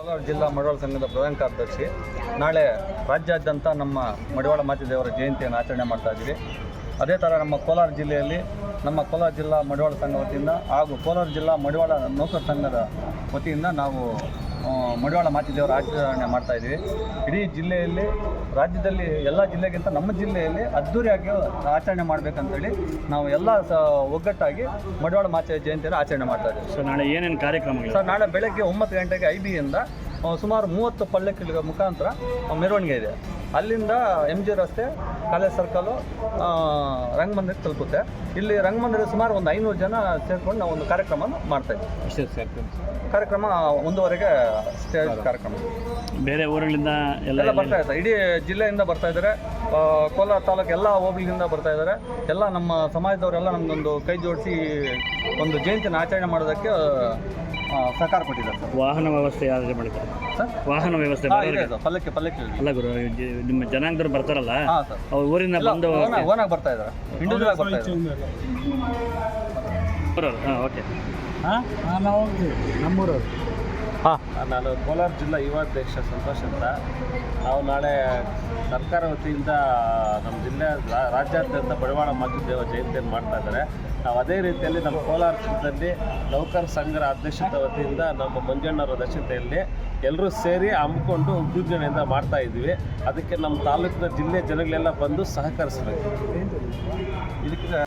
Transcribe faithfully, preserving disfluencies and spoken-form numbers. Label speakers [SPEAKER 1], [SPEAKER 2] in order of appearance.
[SPEAKER 1] ಕೋಲಾರ ಜಿಲ್ಲಾ ಮಡಿವಾಳ ಸಂಘದ ಪ್ರಧಾನ ಕಾರ್ಯದರ್ಶಿ. ನಾಳೆ ರಾಜ್ಯಾದ್ಯಂತ ನಮ್ಮ ಮಡಿವಾಳ ಮಾಚಿದೇವರ ಜಯಂತಿಯನ್ನು ಆಚರಣೆ ಮಾಡ್ತಾ ಇದ್ದೀವಿ. ಅದೇ ಥರ ನಮ್ಮ ಕೋಲಾರ ಜಿಲ್ಲೆಯಲ್ಲಿ ನಮ್ಮ ಕೋಲಾರ ಜಿಲ್ಲಾ ಮಡಿವಾಳ ಸಂಘ ವತಿಯಿಂದ ಹಾಗೂ ಕೋಲಾರ ಜಿಲ್ಲಾ ಮಡಿವಾಳ ನೌಕರ ಸಂಘದ ವತಿಯಿಂದ ನಾವು ಮಡಿವಾಳ ಮಾಚಿದೇವರ ಆಚರಣೆ ಮಾಡ್ತಾಯಿದ್ದೀವಿ. ಇಡೀ ಜಿಲ್ಲೆಯಲ್ಲಿ, ರಾಜ್ಯದಲ್ಲಿ ಎಲ್ಲ ಜಿಲ್ಲೆಗಿಂತ ನಮ್ಮ ಜಿಲ್ಲೆಯಲ್ಲಿ ಅದ್ಧೂರಿಯಾಗಿ ಆಚರಣೆ ಮಾಡಬೇಕಂತೇಳಿ ನಾವು ಎಲ್ಲ ಸ ಒಗ್ಗಟ್ಟಾಗಿ ಮಡಿವಾಳ ಮಾಚಿ ಜಯಂತಿಯನ್ನು ಆಚರಣೆ ಮಾಡ್ತಾಯಿದ್ದೀವಿ.
[SPEAKER 2] ಸೊ ನಾಳೆ ಏನೇನು ಕಾರ್ಯಕ್ರಮ?
[SPEAKER 1] ಸರ್, ನಾಳೆ ಬೆಳಗ್ಗೆ ಒಂಬತ್ತು ಗಂಟೆಗೆ ಐ ಬಿಯಿಂದ ಸುಮಾರು ಮೂವತ್ತು ಪಲ್ಲಕ್ಕಿಗಳ ಮುಖಾಂತರ ಮೆರವಣಿಗೆ ಇದೆ. ಅಲ್ಲಿಂದ ಎಮ್ ಜಿ ರಸ್ತೆ, ಕಾಲೇಜ್ ಸರ್ಕಲು, ರಂಗಮಂದಿರಕ್ಕೆ ತಲುಪುತ್ತೆ. ಇಲ್ಲಿ ರಂಗಮಂದಿರ ಸುಮಾರು ಒಂದು ಐನೂರು ಜನ ಸೇರ್ಕೊಂಡು ನಾವು ಒಂದು ಕಾರ್ಯಕ್ರಮ ಮಾಡ್ತಾಯಿದ್ದೀವಿ. ಕಾರ್ಯಕ್ರಮ ಒಂದೂವರೆಗೆ ಸ್ಟೇಜ್ ಕಾರ್ಯಕ್ರಮ.
[SPEAKER 2] ಬೇರೆ ಊರುಗಳಿಂದ ಎಲ್ಲ
[SPEAKER 1] ಎಲ್ಲ ಬರ್ತಾ ಇದ್ದಾರೆ, ಇಡೀ ಜಿಲ್ಲೆಯಿಂದ ಬರ್ತಾ ಇದ್ದಾರೆ. ಕೋಲಾರ ತಾಲೂಕು ಎಲ್ಲ ಹೋಬಳಿಯಿಂದ ಬರ್ತಾ ಇದ್ದಾರೆ. ಎಲ್ಲ ನಮ್ಮ ಸಮಾಜದವರೆಲ್ಲ ನಮಗೊಂದು ಕೈ ಜೋಡಿಸಿ ಒಂದು ಜಯಂತಿನ ಆಚರಣೆ ಮಾಡೋದಕ್ಕೆ ಸಹಕಾರ ಕೊಟ್ಟಿದ್ದಾರೆ ಸರ್.
[SPEAKER 2] ವಾಹನ ವ್ಯವಸ್ಥೆ ಯಾರು ಮಾಡಿದ್ದಾರೆ
[SPEAKER 1] ಸರ್?
[SPEAKER 2] ವಾಹನ ವ್ಯವಸ್ಥೆ
[SPEAKER 1] ಪಲ್ಲಕ್ಕಿ ಪಲ್ಲಕ್ಕಿ
[SPEAKER 2] ಅಲ್ಲ ಗುರು, ನಿಮ್ಮ ಜನಾಂಗದವ್ರು ಬರ್ತಾರಲ್ಲ,
[SPEAKER 1] ಹಾಂ ಸರ್,
[SPEAKER 2] ಅವ್ರ ಊರಿಂದ ಬಂದು
[SPEAKER 1] ಓನಾಗಿ ಬರ್ತಾ ಇದ್ದಾರೆ, ಇಂಡಿವಿಜುವಲ್ ಆಗಿ ಬರ್ತಾ ಇದ್ದಾರೆ.
[SPEAKER 2] ಹಾಂ, ಓಕೆ.
[SPEAKER 3] ಹಾಂ, ನಾವು ನಮ್ಮೂರವ್ರು.
[SPEAKER 1] ಹಾಂ,
[SPEAKER 4] ನಾನು ಕೋಲಾರ ಜಿಲ್ಲಾ ಯುವಾಧ್ಯಕ್ಷ ಸಂತೋಷ್ ಅಂತ. ನಾವು ನಾಳೆ ಸರ್ಕಾರ ವತಿಯಿಂದ ನಮ್ಮ ಜಿಲ್ಲೆ ರಾಜ್ಯಾದ್ಯಂತ ಮಡಿವಾಳ ಮಾಚಿದೇವ ಜಯಂತಿಯನ್ನು ಮಾಡ್ತಾ ಇದ್ದಾರೆ. ನಾವು ಅದೇ ರೀತಿಯಲ್ಲಿ ನಮ್ಮ ಕೋಲಾರ ಜಿಲ್ಲೆಯಲ್ಲಿ ನೌಕರ ಸಂಘದ ಅಧ್ಯಕ್ಷತೆ ವತಿಯಿಂದ ನಮ್ಮ ಮಂಜಣ್ಣವರ ಅಧ್ಯಕ್ಷತೆಯಲ್ಲಿ ಎಲ್ಲರೂ ಸೇರಿ ಹಮ್ಮಿಕೊಂಡು ವಿಜೃಂಭಣೆಯಿಂದ ಮಾಡ್ತಾ ಇದ್ದೀವಿ. ಅದಕ್ಕೆ ನಮ್ಮ ತಾಲೂಕಿನ ಜಿಲ್ಲೆ ಜನಗಳೆಲ್ಲ ಬಂದು ಸಹಕರಿಸಬೇಕು.
[SPEAKER 1] ಇದಕ್ಕೆ